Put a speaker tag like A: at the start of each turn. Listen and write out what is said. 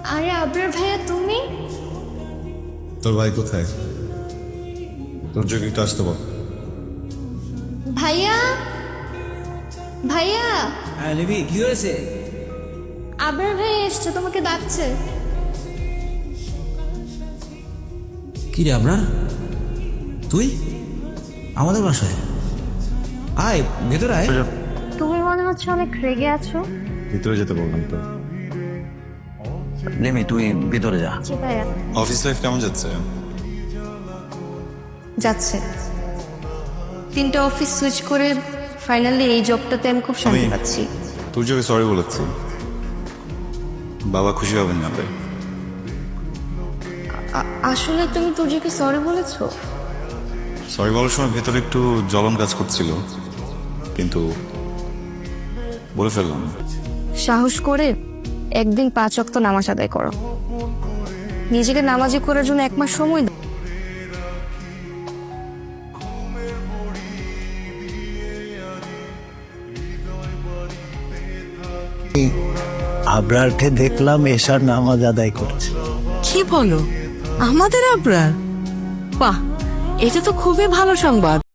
A: আরে আবরার ভাইয়া তুমি?
B: তোর ভাই কোথায়? তোর যোগ্য একটু আসতে বল।
A: ভাইয়া ভাইয়া
C: হ্যাঁ লিবি, কি হয়েছে?
A: আবরার ভাইয়া এসছে, তোমাকে ডাকছে।
C: কি রে আপনার? তুই আমাদের বাসায় আয়, ভেতরে আয়।
A: তুমি মনে হচ্ছে অনেক রেগে আছো।
B: ভিতরে যেতে বললাম তো।
C: লেমি, তুই ভেতরে যা।
A: জি ভাইয়া।
B: অফিস লাইফ কেমন যাচ্ছে?
A: যাচ্ছে। 3টা অফিস সুইচ করে ফাইনালি এই জবটাতে আমি খুব শান্তি পাচ্ছি।
B: তোর যোগে সরি বলেছি, বাবা খুশি হবেন না ভাই।
A: আসলে তুমি তুর্যকে সরি বলেছো?
B: সরি বলার সময় ভেতরে একটু জ্বলন কাজ করছিল, কিন্তু বলে ফেললাম।
A: সাহস করে একদিন 5 ওয়াক্ত নামাজ আদায় করো। নিজেকে নামাজি করার জন্য 1 মাস সময় দাও।
D: আবরারকে দেখলাম এশার নামাজ আদায় করছে।
E: কি বলো, আমাদের আবরার? বাহ, এটা তো খুবই ভালো সংবাদ।